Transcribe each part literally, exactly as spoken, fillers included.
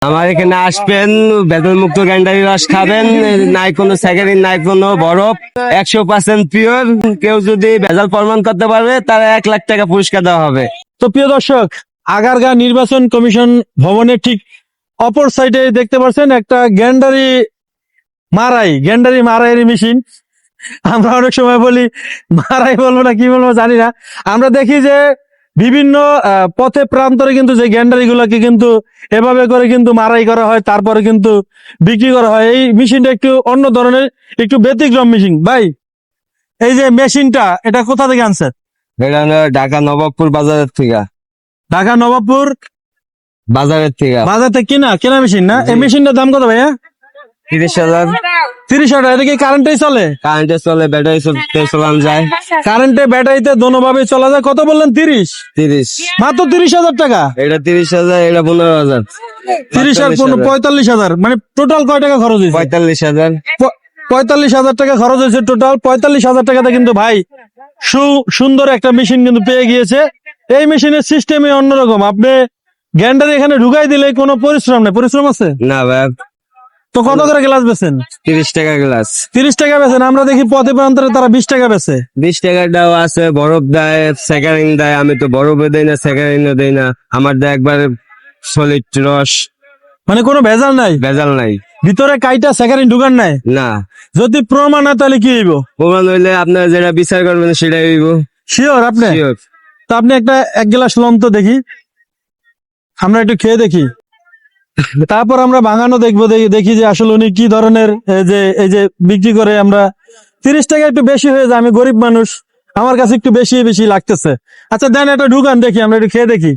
আমার এখানে আসবেন, বেতন মুক্ত গ্যান্ডারি রস খাবেন, নাই কোনো স্যাকারিন নাই কোনো বরফ, একশো পার্সেন্ট পিওর। কেউ যদি ভেজাল প্রমাণ করতে পারবে তার এক লাখ টাকা পুরস্কার দেওয়া হবে। তো প্রিয় দর্শক, আগারগাঁ নির্বাচন কমিশন ভবনের ঠিক অপর সাইডে দেখতে পাচ্ছেন একটা গ্যান্ডারি মারাই গ্যান্ডারি মারাইয়ের মেশিন। আমরা অনেক সময় বলি মারাই বলবো না কি বলবো জানি না। আমরা দেখি যে বিভিন্ন পথে প্রান্তরে কিন্তু যে গ্যান্ডারি গুলাকে কিন্তু এভাবে করে কিন্তু মারাই করা হয়, তারপরে কিন্তু বিক্রি করা হয়। এই মেশিনটা একটু অন্য ধরনের, একটু ব্যতিক্রম মেশিন। ভাই, এই যে মেশিনটা এটা কোথা থেকে আনছেন? এটা হলো ঢাকা নবাবপুর বাজারের থেকে। ঢাকা নবাবপুর বাজারের থেকে বাজার থেকে কিনা কেনা মেশিন না? এই মেশিনটার দাম কত ভাইয়া? তিরিশ হাজার। তিরিশ হাজার। এটা কি কারেন্টেই চলে? কারেন্টে চলে, ব্যাটারি চালানো যায়। কারেন্টে ব্যাটারিতে দোনোভাবে চলা যায়। কত বললেন? তিরিশ। তিরিশ। মাত্র তিরিশ হাজার টাকা। এটা তিরিশ হাজার, এটা পনেরো হাজার। তিরিশ আর পনেরো পঁয়তাল্লিশ হাজার। মানে টোটাল কয় টাকা খরচ হয়েছে? পঁয়তাল্লিশ হাজার। পঁয়তাল্লিশ হাজার টাকা খরচ হয়েছে টোটাল। পঁয়তাল্লিশ হাজার টাকাতে কিন্তু ভাই সুন্দর একটা মেশিন কিন্তু পেয়ে গিয়েছে। এই মেশিনের সিস্টেমে অন্যরকম। আপনি গ্যান্ডারি এখানে ঢুকাই দিলে কোনো পরিশ্রম নেই। পরিশ্রম আছে না ভাই। তো কত করে গ্লাস বেচেন? তিরিশ টাকা গ্লাস। তিরিশ টাকা বেচেন। আমরা দেখি পথে প্রান্তরে তারা বিশ টাকা বেচে। বিশ টাকাটাও আছে, বরফ দেয়, স্যাকারিন দেয়। আমি তো বরফও দেই না, স্যাকারিনও দেই না। আমার দেয় একবারে সলিড রস। মানে কোনো ভেজাল নাই? ভেজাল নাই। ভিতরে কাইটা স্যাকারিন ঢুকান নাই? না। যদি প্রমাণ না তাহলে কি হইব? প্রমাণ হইলে আপনার যেটা বিচার করবেন সেটাই হইব। শিওর আপনি? শিওর। তো আপনি একটা এক গ্লাস লম তো দেখি, আমরা একটু খেয়ে দেখি, তারপর আমরা ভাঙানো দেখবো। দেখি যে আসলে উনি কি ধরনের যে এই যে বিক্রি করে। আমরা তিরিশ টাকা একটু বেশি হয়ে যায়, আমি গরিব মানুষ, আমার কাছে একটু বেশি বেশি লাগতেছে। আচ্ছা দেন একটা ঢুকান দেখি, আমরা একটু খেয়ে দেখি।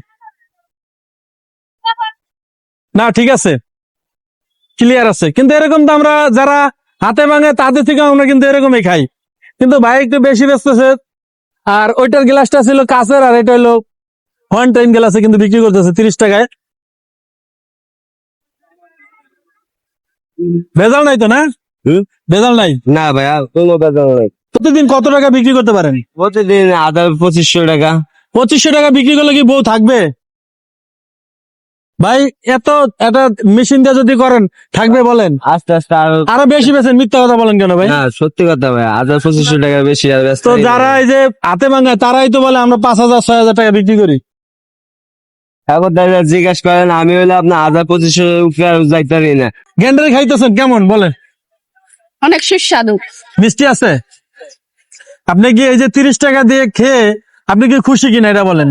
না ঠিক আছে, ক্লিয়ার আছে। কিন্তু এরকম তো আমরা যারা হাতে ভাঙে তাদের থেকে আমরা কিন্তু এরকমই খাই। কিন্তু ভাই একটু বেশি বেচতেছে। আর ওইটার গ্লাসটা ছিল কাঁচের, আর এটা হলো ওয়ান টাইম গ্লাসে কিন্তু বিক্রি করতেছে তিরিশ টাকায়। ভেজাল নাই তো? না ভেজাল নাই। না ভাইয়া, কোনো ভেজাল নাই। প্রতিদিন কত টাকা বিক্রি করতে পারেন? প্রতিদিন আধা পঁচিশশো টাকা। পঁচিশশো টাকা বিক্রি করলে কি বউ থাকবে ভাই? এত একটা মেশিন দিয়ে যদি করেন থাকবে বলেন? আস্তে আস্তে আরো আরো বেশি বেছেন। মিথ্যা কথা বলেন কেন ভাই? না, সত্যি কথা ভাই, আধা পঁচিশশো টাকা বেশি। আর তো যারা এই যে হাতে ভাঙায় তারাই তো বলে আমরা পাঁচ হাজার ছয় হাজার টাকা বিক্রি করি। এখন দাদা জিজ্ঞাসা করেন, আমি হইলে আপনার আধা পঁচিশশো উপরে আর যাইতে পারি না। গ্যান্ডারি খাইতেছেন কেমন বলেন? অনেক সুস্বাদু, মিষ্টি আছে। আপনি কি এই যে তিরিশ টাকা দিয়ে খেয়ে আপনি কি খুশি কিনা এটা বলেন?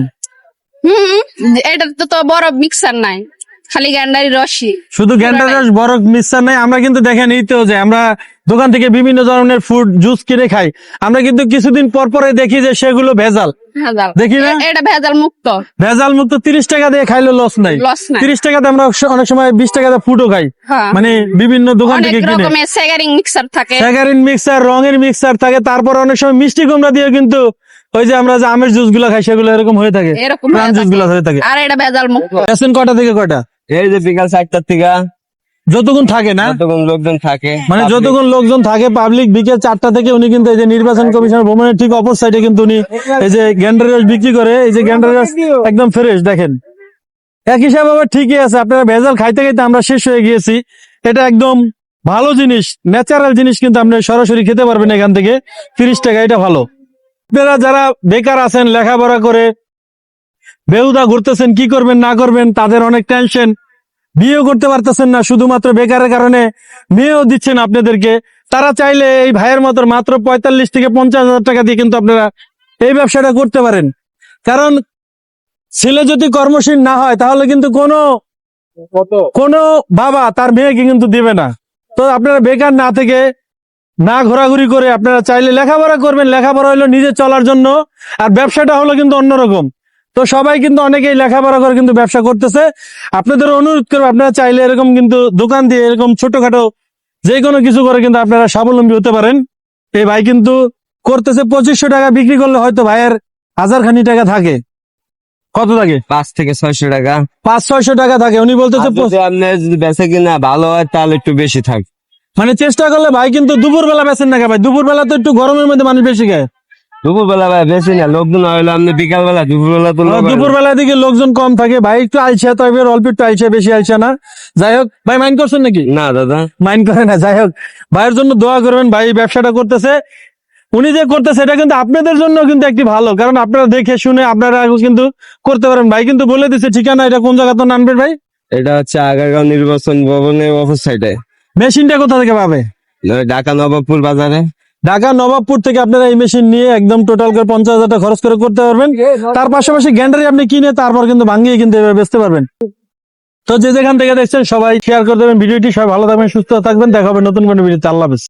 হম এটা তো তো বড় মিক্সার নাই, খালি গ্যান্ডারি রসই। শুধু গ্যান্ডারি রস, বরফ মিক্সার নাই। আমরা কিন্তু দেখেন এই তো যে আমরা দোকান থেকে বিভিন্ন ধরনের ফুড জুস কিনে খাই, আমরা কিন্তু কিছুদিন পর পরে দেখি যে সেগুলো ভেজাল। ভেজাল দেখি না? এটা ভেজাল মুক্ত। ভেজাল মুক্ত। তিরিশ টাকা দিয়ে খাইলে লস নাই। লস নাই। তিরিশ টাকাতে আমরা অনেক সময় বিশ টাকাতে ফুডও খাই। হ্যাঁ। মানে বিভিন্ন দোকান অনেক থেকে কিনে। রকমের স্যাগারিং মিক্সার থাকে, স্যাগারিন মিক্সার, রঙের মিক্সার থাকে। তারপর অনেক সময় মিষ্টি কুমড়া দিয়ে কিন্তু ওই যে আমরা যে আমের জুস গুলা খাই সেগুলো এরকম হয়ে থাকে, এরকম প্রাণ জুস গুলা হয়ে থাকে। আর এটা ভেজাল মুক্ত। এসেন কটা থেকে কটা? এই যে বিকাল চারটার থেকে যতক্ষণ থাকে না, যতক্ষণ লোকজন থাকে, মানে যতক্ষণ লোকজন থাকে পাবলিক। বিকেল চারটা থেকে উনি কিন্তু এই যে নির্বাচন কমিশন ভবনের ঠিক অপর সাইডে কিন্তু উনি এই যে গ্যান্ডারি রস বিক্রি করে। এই যে গ্যান্ডারি রস একদম ফ্রেশ দেখেন। এক হিসাবে আবার ঠিকই আছে। আপনারা ভেজাল খাইতে খাইতে আমরা শেষ হয়ে গিয়েছি। এটা একদম ভালো জিনিস, ন্যাচারাল জিনিস কিন্তু আপনি সরাসরি খেতে পারবেন এখান থেকে। তিরিশ টাকা, এটা ভালো। আপনারা যারা বেকার আছেন, লেখাপড়া করে বেহুদা ঘুরতেছেন, কি করবেন না করবেন, তাদের অনেক টেনশন, বিয়েও করতে পারতেছেন না শুধুমাত্র বেকারের কারণে, মেয়েও দিচ্ছেন আপনাদেরকে, তারা চাইলে এই ভাইয়ের মতো মাত্র পঁয়তাল্লিশ থেকে পঞ্চাশ হাজার টাকা দিয়ে কিন্তু আপনারা এই ব্যবসাটা করতে পারেন। কারণ ছেলে যদি কর্মশীল না হয় তাহলে কিন্তু কোনো কোনো বাবা তার মেয়েকে কিন্তু দিবে না। তো আপনারা বেকার না থেকে, না ঘোরাঘুরি করে আপনারা চাইলে লেখাপড়া করবেন। লেখাপড়া হলো নিজে চলার জন্য, আর ব্যবসাটা হলো কিন্তু অন্যরকম। তো সবাই কিন্তু অনেকেই লেখাপড়া করে কিন্তু ব্যবসা করতেছে। আপনাদের অনুরোধ করবো, আপনারা চাইলে এরকম কিন্তু দোকান দিয়ে এরকম ছোটখাটো যে কোনো কিছু করে কিন্তু আপনারা স্বাবলম্বী হতে পারেন। এই ভাই কিন্তু করতেছে পঁচিশশো টাকা বিক্রি করলে হয়তো ভাইয়ের হাজার খানি টাকা থাকে। কত থাকে? পাঁচ থেকে ছয়শো টাকা। পাঁচ ছয়শো টাকা থাকে। উনি বলতেছে আপনার যদি বেচে কিনা ভালো হয় তাহলে একটু বেশি থাকে। মানে চেষ্টা করলে ভাই কিন্তু দুপুর বেলা বেচেন না ভাই? দুপুর বেলা তো একটু গরমের মধ্যে মানুষ বেশি খায়। দুপুর বেলা ভাই বেশি না, লোকজন হইলো আপনি বিকাল বেলা, দুপুর বেলা তো লোক হয় না। দুপুর বেলার দিকে লোকজন কম থাকে ভাই, একটু আইসা তো এবার অল্প একটু আইসা, বেশি আইসা না। যাই হোক ভাই, মাইন্ড করছেন নাকি? না দাদা, মাইন্ড করে না। যাই হোক, ভাইয়ের জন্য দোয়া করবেন, ভাই এই ব্যবসাটা করতেছে, উনি যে করতেছে এটা কিন্তু আপনাদের জন্য কিন্তু একটি ভালো, কারণ আপনারা দেখে শুনে আপনারা কিন্তু করতে পারেন। ভাই কিন্তু বলে দিচ্ছে ঠিকানা, এটা কোন জায়গা তো নামবেন ভাই? এটা হচ্ছে আগারগাঁও নির্বাচন ভবনের অপর সাইডে, মেশিনটা কোথা থেকে পাবে? ঢাকা নবাবপুর বাজারে। ঢাকা নবাবপুর থেকে আপনারা এই মেশিন নিয়ে একদম টোটাল করে পঞ্চাশ হাজার টাকা খরচ করে করতে পারবেন। তার পাশাপাশি গ্যান্ডারি আপনি কিনে তারপর কিন্তু ভাঙিয়ে কিন্তু এবার বেচতে পারবেন। তো যে যেখান থেকে দেখছেন সবাই শেয়ার করে দেবেন ভিডিওটি। সবাই ভালো থাকবেন, সুস্থ থাকবেন, দেখা হবে নতুন কোনো ভিডিওতে। আল্লাহ হাফেজ।